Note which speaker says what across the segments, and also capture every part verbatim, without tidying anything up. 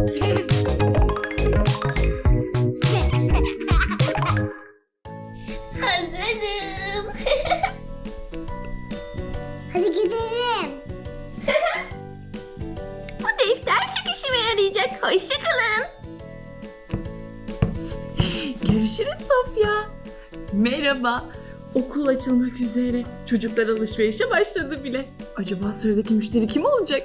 Speaker 1: Hazırım.
Speaker 2: Hadi gidelim.
Speaker 1: Bu defter çok işime yarayacak. Hoşça kalın.
Speaker 3: Görüşürüz Sofya. Merhaba. Okul açılmak üzere. Çocuklar alışverişe başladı bile. Acaba sıradaki müşteri kim olacak?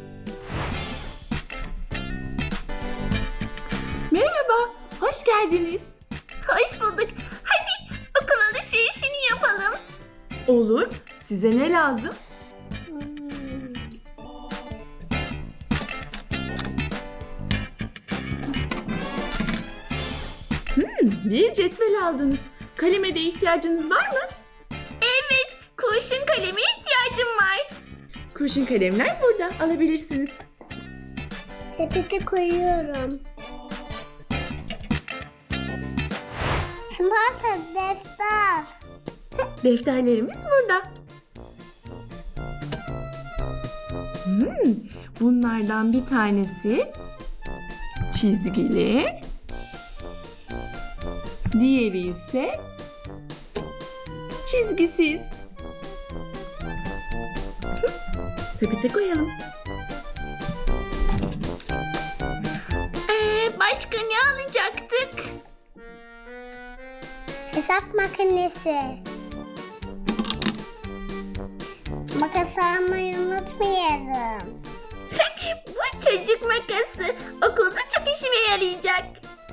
Speaker 3: Merhaba. Hoş geldiniz.
Speaker 1: Hoş bulduk. Hadi okul alışverişini yapalım.
Speaker 3: Olur. Size ne lazım? Hmm, bir cetvel aldınız. Kaleme de ihtiyacınız var mı?
Speaker 1: Evet, kurşun kaleme ihtiyacım var.
Speaker 3: Kurşun kalemler burada. Alabilirsiniz.
Speaker 2: Sepete koyuyorum. Smarta defter.
Speaker 3: Defterlerimiz burada. Hmm, bunlardan bir tanesi çizgili. Diğeri ise çizgisiz. Hı, sepete koyalım.
Speaker 1: Ee, başka ne alacaktık?
Speaker 2: Hesap makinesi. Makas almayı unutmayalım.
Speaker 1: Bu çocuk makası okulda çok işime yarayacak.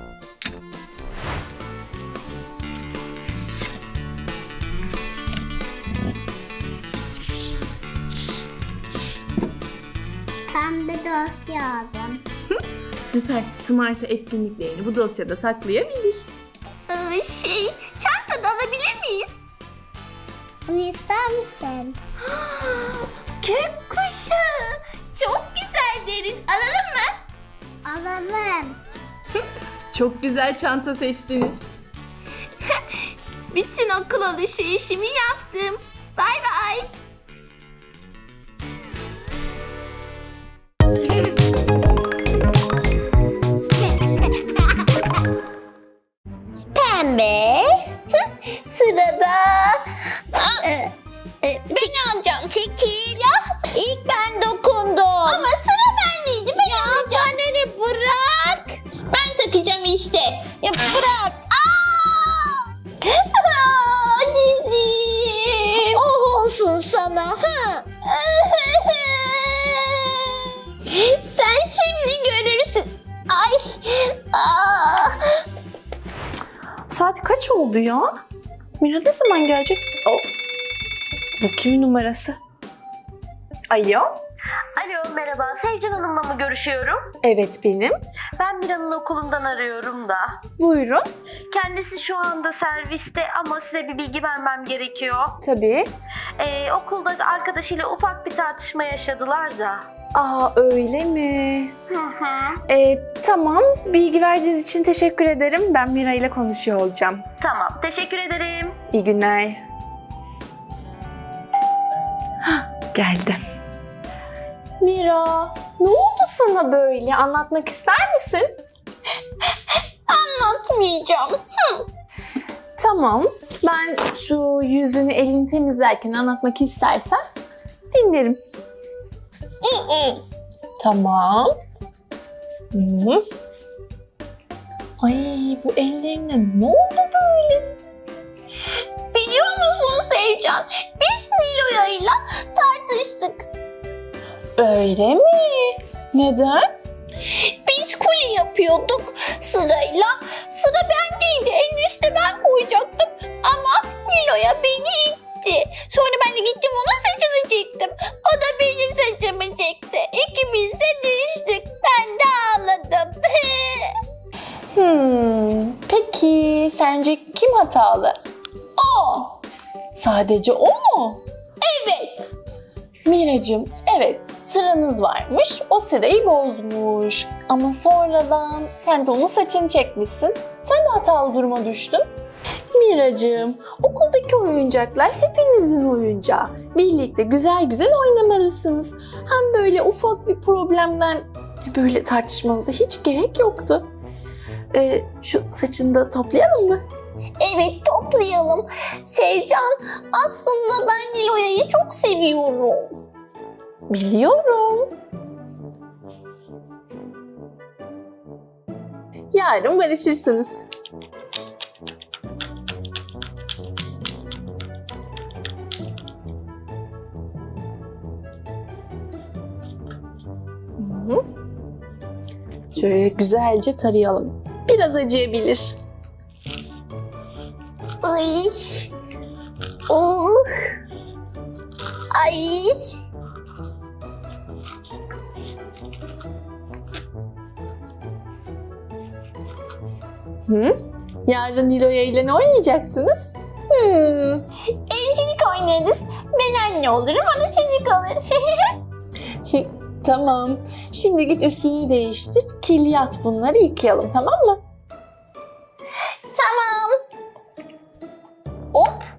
Speaker 2: Pembe dosya aldım.
Speaker 3: Süper. Smart'a etkinliklerini bu dosyada saklayabilir.
Speaker 1: Ee, şey, çantada alabilir miyiz?
Speaker 2: Bunu ister misin?
Speaker 1: Gökkuşağı. Çok güzel derin. Alalım mı?
Speaker 2: Alalım.
Speaker 3: Çok güzel çanta seçtiniz.
Speaker 1: Bütün okul alışverişimi yaptım. Bay bay. Pembe. Sırada. Ben alacağım. Çekil. Ya ilk ben dokundum. Ama sıra bendeydi. Ben ya alacağım. Beni bırak. Ben takacağım işte. Ya bırak. Aa! Aa, dizim. Oh olsun sana. Ha? Sen şimdi görürsün. Ay. Aa.
Speaker 4: Saat kaç oldu ya? Mira ne zaman gelecek? Oh. Bu kimin numarası? Alo?
Speaker 5: Alo, merhaba. Sevcan Hanım'la mı görüşüyorum?
Speaker 4: Evet benim.
Speaker 5: Ben Mira'nın okulundan arıyorum da.
Speaker 4: Buyurun.
Speaker 5: Kendisi şu anda serviste ama size bir bilgi vermem gerekiyor.
Speaker 4: Tabii.
Speaker 5: Ee, okulda arkadaşıyla ufak bir tartışma yaşadılar da.
Speaker 4: Aa öyle mi?
Speaker 5: Hı hı.
Speaker 4: Ee, tamam. Bilgi verdiğiniz için teşekkür ederim. Ben Mira ile konuşuyor olacağım.
Speaker 5: Tamam, teşekkür ederim.
Speaker 4: İyi günler. Hah, geldim. Mira, ne oldu sana böyle? Anlatmak ister misin?
Speaker 1: Anlatmayacağım. Hı.
Speaker 4: Tamam. Ben şu yüzünü elini temizlerken anlatmak istersen dinlerim.
Speaker 1: Hı hı.
Speaker 4: Tamam. Hı. Ay bu ellerine ne oldu böyle?
Speaker 1: Biliyor musun Sevcan? Biz Nilo'yla tartıştık.
Speaker 4: Öyle mi? Neden?
Speaker 1: Biz kule yapıyorduk sırayla. Sıra bendeydi. En üstte ben koyacaktım. Ama Nilo'ya beni itti. Sonra ben de gittim onun saçını çektim. O da benim saçımı çekti. İkimiz de düştük. Ben de ağladım.
Speaker 4: Hmm, peki sence kim hatalı?
Speaker 1: O.
Speaker 4: Sadece o mu?
Speaker 1: Evet.
Speaker 4: Miracığım, evet sıranız varmış, o sırayı bozmuş. Ama sonradan sen de onun saçını çekmişsin, sen de hatalı duruma düştün. Miracığım, okuldaki oyuncaklar hepinizin oyuncağı. Birlikte güzel güzel oynamalısınız. Hem böyle ufak bir problemden Böyle tartışmanıza hiç gerek yoktu. Ee, şu saçını da toplayalım mı?
Speaker 1: Evet, toplayalım. Sevcan, aslında ben Nilo'ya'yı çok seviyorum.
Speaker 4: Biliyorum. Yarın barışırsınız. Hı hı. Şöyle güzelce tarayalım. Biraz acıyabilir.
Speaker 1: Ay. Oh. Ay.
Speaker 4: Hı? Yarın Nilo'ya ile ne oynayacaksınız?
Speaker 1: Hmm. Evcilik oynarız. Ben anne olurum, o da çocuk olur.
Speaker 4: Tamam. Şimdi git üstünü değiştir. Kirli at, bunları yıkayalım, tamam mı?
Speaker 1: Tamam. Hop.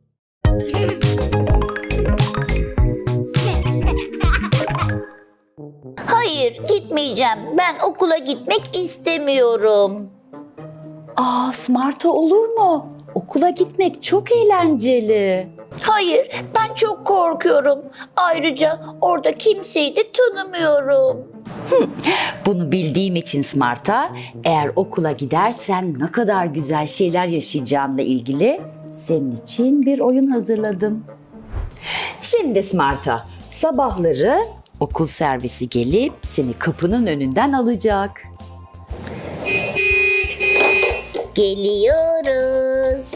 Speaker 1: Hayır, gitmeyeceğim. Ben okula gitmek istemiyorum.
Speaker 6: Aa, Smart'a olur mu? Okula gitmek çok eğlenceli.
Speaker 1: Hayır, ben çok korkuyorum. Ayrıca orada kimseyi de tanımıyorum.
Speaker 6: Bunu bildiğim için Smart'a, eğer okula gidersen ne kadar güzel şeyler yaşayacağınla ilgili senin için bir oyun hazırladım. Şimdi Smart'a, sabahları okul servisi gelip seni kapının önünden alacak.
Speaker 1: Geliyoruz.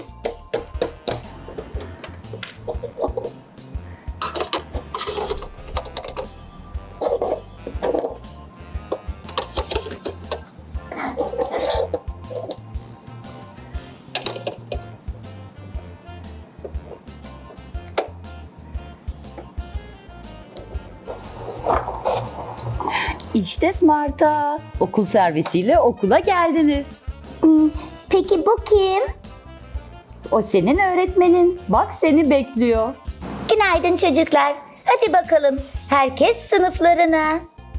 Speaker 6: İşte Smart'a, okul servisiyle okula geldiniz.
Speaker 1: Peki bu kim?
Speaker 6: O senin öğretmenin. Bak seni bekliyor.
Speaker 1: Günaydın çocuklar. Hadi bakalım. Herkes sınıflarına.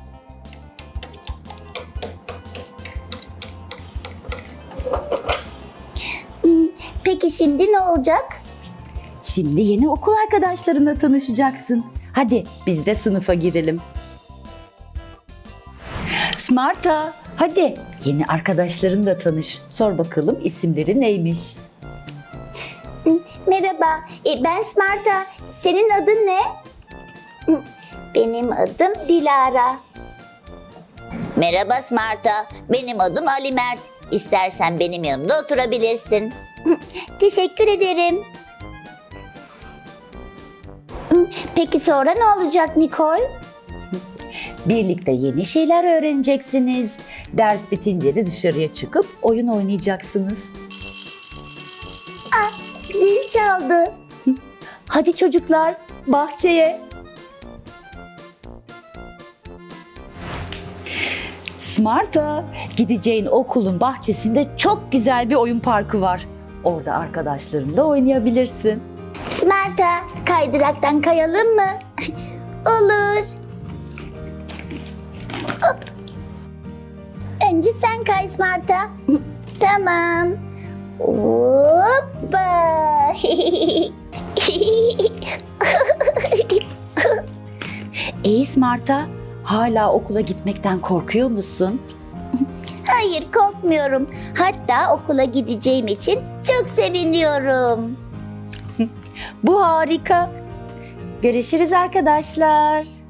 Speaker 1: Hmm, Peki şimdi ne olacak?
Speaker 6: Şimdi yeni okul arkadaşlarınla tanışacaksın. Hadi biz de sınıfa girelim. Smart'a, hadi yeni arkadaşlarınla tanış. Sor bakalım isimleri neymiş?
Speaker 1: Merhaba, e, ben Smart'a. Senin adın ne? Benim adım Dilara. Merhaba Smart'a. Benim adım Ali Mert. İstersen benim yanımda oturabilirsin. Teşekkür ederim. Peki sonra ne olacak Nicole?
Speaker 6: Birlikte yeni şeyler öğreneceksiniz. Ders bitince de dışarıya çıkıp oyun oynayacaksınız.
Speaker 1: Zil çaldı.
Speaker 6: Hadi çocuklar, bahçeye. Smart'a, gideceğin okulun bahçesinde çok güzel bir oyun parkı var. Orada arkadaşlarınla oynayabilirsin.
Speaker 1: Smart'a, kaydıraktan kayalım mı? Olur. Hop. Önce sen kay Smart'a. Tamam. Hoppa.
Speaker 6: İyi Smart'a, hala okula gitmekten korkuyor musun?
Speaker 1: Hayır, korkmuyorum. Hatta okula gideceğim için çok seviniyorum.
Speaker 6: Bu harika. Görüşürüz arkadaşlar.